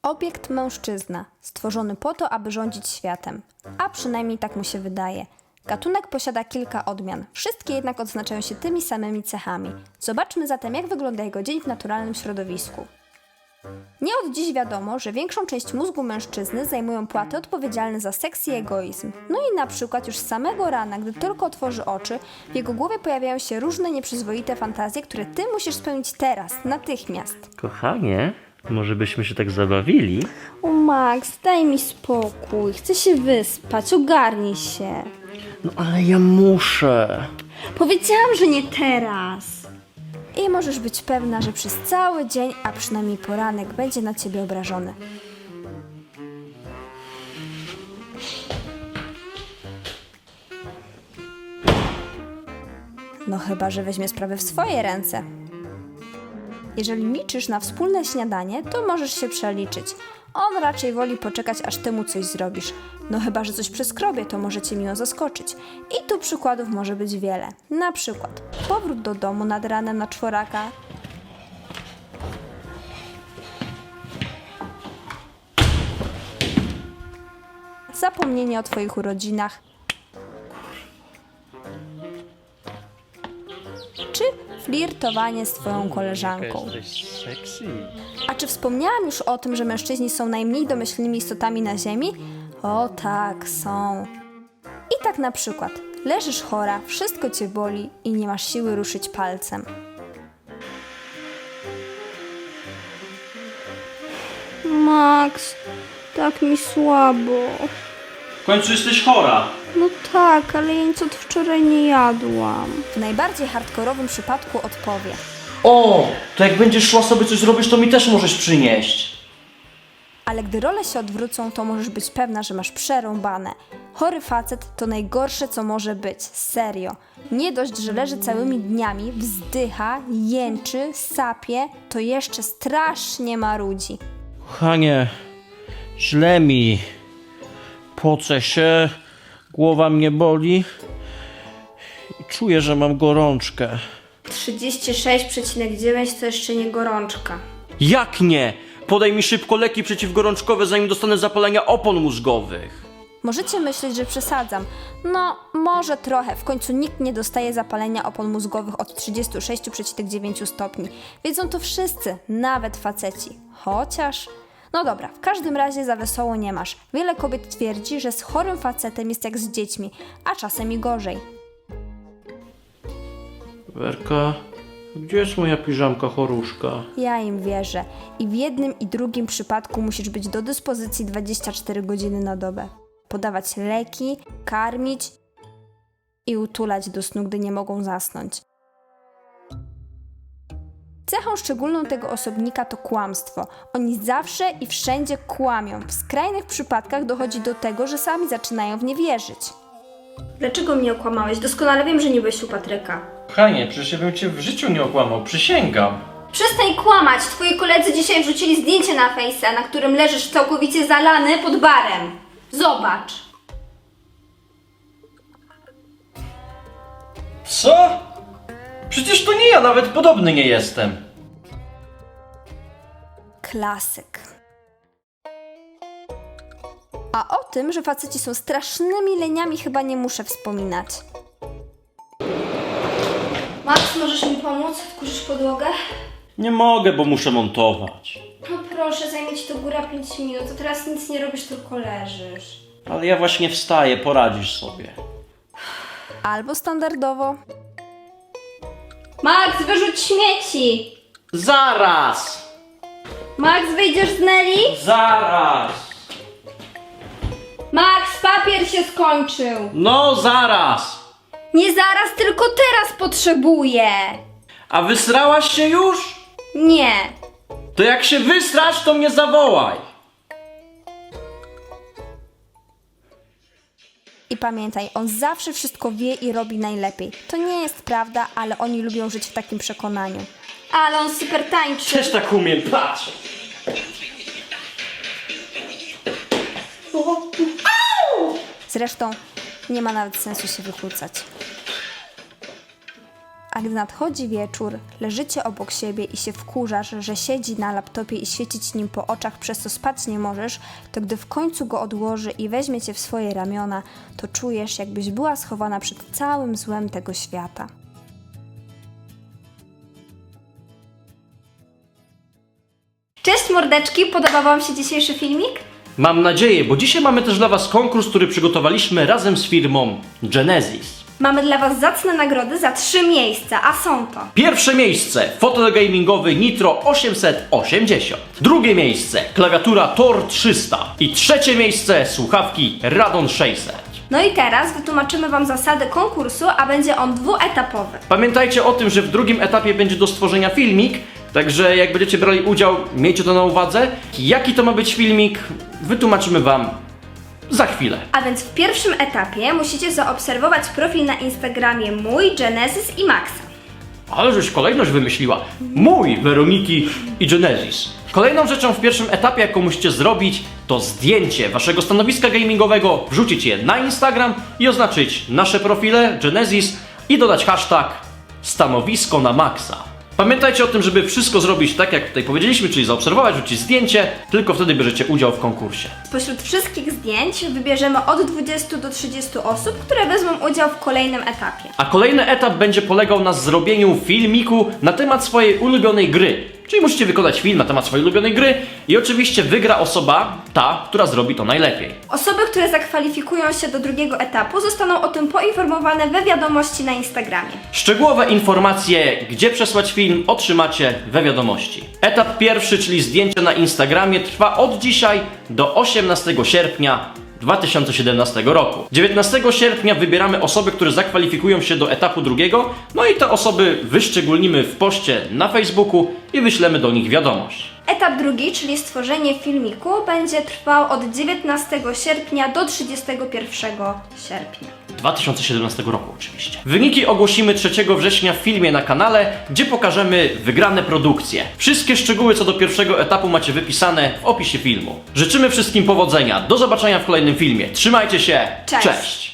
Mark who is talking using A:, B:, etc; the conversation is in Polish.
A: Obiekt mężczyzna, stworzony po to, aby rządzić światem. A przynajmniej tak mu się wydaje. Gatunek posiada kilka odmian, wszystkie jednak odznaczają się tymi samymi cechami. Zobaczmy zatem, jak wygląda jego dzień w naturalnym środowisku. Nie od dziś wiadomo, że większą część mózgu mężczyzny zajmują płaty odpowiedzialne za seks i egoizm. No i na przykład już z samego rana, gdy tylko otworzy oczy, w jego głowie pojawiają się różne nieprzyzwoite fantazje, które ty musisz spełnić teraz, natychmiast.
B: Kochanie, może byśmy się tak zabawili?
A: O Max, daj mi spokój, chcę się wyspać, ogarnij się.
B: No ale ja muszę.
A: Powiedziałam, że nie teraz. I możesz być pewna, że przez cały dzień, a przynajmniej poranek, będzie na ciebie obrażony. No chyba, że weźmie sprawę w swoje ręce. Jeżeli liczysz na wspólne śniadanie, to możesz się przeliczyć. On raczej woli poczekać, aż ty mu coś zrobisz. No chyba, że coś przeskrobie, to może cię miło zaskoczyć. I tu przykładów może być wiele. Na przykład powrót do domu nad ranem na czworaka, zapomnienie o twoich urodzinach, czy flirtowanie z twoją koleżanką.
B: Jesteś sexy.
A: A czy wspomniałam już o tym, że mężczyźni są najmniej domyślnymi istotami na ziemi? O tak, są. I tak na przykład, leżysz chora, wszystko cię boli i nie masz siły ruszyć palcem. Max, tak mi słabo.
B: W końcu jesteś chora.
A: No tak, ale ja nic od wczoraj nie jadłam. W najbardziej hardkorowym przypadku odpowie.
C: O, to jak będziesz szła sobie coś zrobisz, to mi też możesz przynieść.
A: Ale gdy role się odwrócą, to możesz być pewna, że masz przerąbane. Chory facet to najgorsze, co może być. Serio. Nie dość, że leży całymi dniami, wzdycha, jęczy, sapie, to jeszcze strasznie marudzi.
B: Kochanie, źle mi. Pocę się, głowa mnie boli i czuję, że mam gorączkę.
A: 36,9 to jeszcze nie gorączka.
B: Jak nie? Podaj mi szybko leki przeciwgorączkowe, zanim dostanę zapalenia opon mózgowych.
A: Możecie myśleć, że przesadzam. No, może trochę. W końcu nikt nie dostaje zapalenia opon mózgowych od 36,9 stopni. Wiedzą to wszyscy, nawet faceci. Chociaż... No dobra, w każdym razie za wesoło nie masz. Wiele kobiet twierdzi, że z chorym facetem jest jak z dziećmi, a czasem i gorzej.
B: Werka, gdzie jest moja piżamka choruszka?
A: Ja im wierzę. I w jednym i drugim przypadku musisz być do dyspozycji 24 godziny na dobę. Podawać leki, karmić i utulać do snu, gdy nie mogą zasnąć. Cechą szczególną tego osobnika to kłamstwo. Oni zawsze i wszędzie kłamią. W skrajnych przypadkach dochodzi do tego, że sami zaczynają w nie wierzyć. Dlaczego mnie okłamałeś? Doskonale wiem, że nie byłeś u Patryka.
B: Kochanie, przecież ja bym cię w życiu nie okłamał, przysięgam.
A: Przestań kłamać! Twoi koledzy dzisiaj wrzucili zdjęcie na Face'a, na którym leżysz całkowicie zalany pod barem. Zobacz!
B: Co? Przecież to nie ja, nawet podobny nie jestem.
A: Klasyk. A o tym, że faceci są strasznymi leniami, chyba nie muszę wspominać. Max, możesz mi pomóc? Wkurzysz podłogę?
B: Nie mogę, bo muszę montować.
A: No proszę, zajmie ci to góra 5 minut, to teraz nic nie robisz, tylko leżysz.
B: Ale ja właśnie wstaję, poradzisz sobie.
A: Albo standardowo. Max, wyrzuć śmieci!
B: Zaraz!
A: Max, wyjdziesz z Nelly?
B: Zaraz!
A: Max, papier się skończył!
B: No zaraz!
A: Nie zaraz, tylko teraz potrzebuję!
B: A wysrałaś się już?
A: Nie.
B: To jak się wysrasz, to mnie zawołaj.
A: I pamiętaj, on zawsze wszystko wie i robi najlepiej. To nie jest prawda, ale oni lubią żyć w takim przekonaniu. Ale on super tańczy.
B: Też tak umiem, patrz.
A: Zresztą nie ma nawet sensu się wykłócać. A gdy nadchodzi wieczór, leżycie obok siebie i się wkurzasz, że siedzi na laptopie i świecić nim po oczach, przez co spać nie możesz, to gdy w końcu go odłoży i weźmie cię w swoje ramiona, to czujesz, jakbyś była schowana przed całym złem tego świata.
D: Cześć mordeczki, podobał wam się dzisiejszy filmik?
B: Mam nadzieję, bo dzisiaj mamy też dla was konkurs, który przygotowaliśmy razem z firmą Genesis.
D: Mamy dla was zacne nagrody za 3 miejsca, a są to
B: Pierwsze miejsce, fotel gamingowy Nitro 880. Drugie miejsce, klawiatura Tor 300. I trzecie miejsce, słuchawki Radon 600.
D: No i teraz wytłumaczymy wam zasady konkursu, a będzie on dwuetapowy.
B: Pamiętajcie o tym, że w drugim etapie będzie do stworzenia filmik, także jak będziecie brali udział, miejcie to na uwadze. Jaki to ma być filmik, wytłumaczymy wam za chwilę.
D: A więc w pierwszym etapie musicie zaobserwować profil na Instagramie mój, Genesis i Maxa.
B: Ale żeś kolejność wymyśliła. Mój, Weroniki i Genesis. Kolejną rzeczą w pierwszym etapie, jaką musicie zrobić, to zdjęcie waszego stanowiska gamingowego, wrzucić je na Instagram i oznaczyć nasze profile Genesis i dodać hashtag stanowisko na maksa. Pamiętajcie o tym, żeby wszystko zrobić tak, jak tutaj powiedzieliśmy, czyli zaobserwować, wrzucić zdjęcie, tylko wtedy bierzecie udział w konkursie.
D: Spośród wszystkich zdjęć wybierzemy od 20 do 30 osób, które wezmą udział w kolejnym etapie.
B: A kolejny etap będzie polegał na zrobieniu filmiku na temat swojej ulubionej gry. Czyli musicie wykonać film na temat swojej ulubionej gry i oczywiście wygra osoba, ta, która zrobi to najlepiej.
D: Osoby, które zakwalifikują się do drugiego etapu, zostaną o tym poinformowane we wiadomości na Instagramie.
B: Szczegółowe informacje, gdzie przesłać film, otrzymacie we wiadomości. Etap pierwszy, czyli zdjęcie na Instagramie, trwa od dzisiaj do 18 sierpnia 2017 roku. 19 sierpnia wybieramy osoby, które zakwalifikują się do etapu drugiego, no i te osoby wyszczególnimy w poście na Facebooku i wyślemy do nich wiadomość.
D: Etap drugi, czyli stworzenie filmiku, będzie trwał od 19 sierpnia do 31 sierpnia.
B: 2017 roku oczywiście. Wyniki ogłosimy 3 września w filmie na kanale, gdzie pokażemy wygrane produkcje. Wszystkie szczegóły co do pierwszego etapu macie wypisane w opisie filmu. Życzymy wszystkim powodzenia, do zobaczenia w kolejnym filmie. Trzymajcie się,
D: Cześć.
B: Cześć.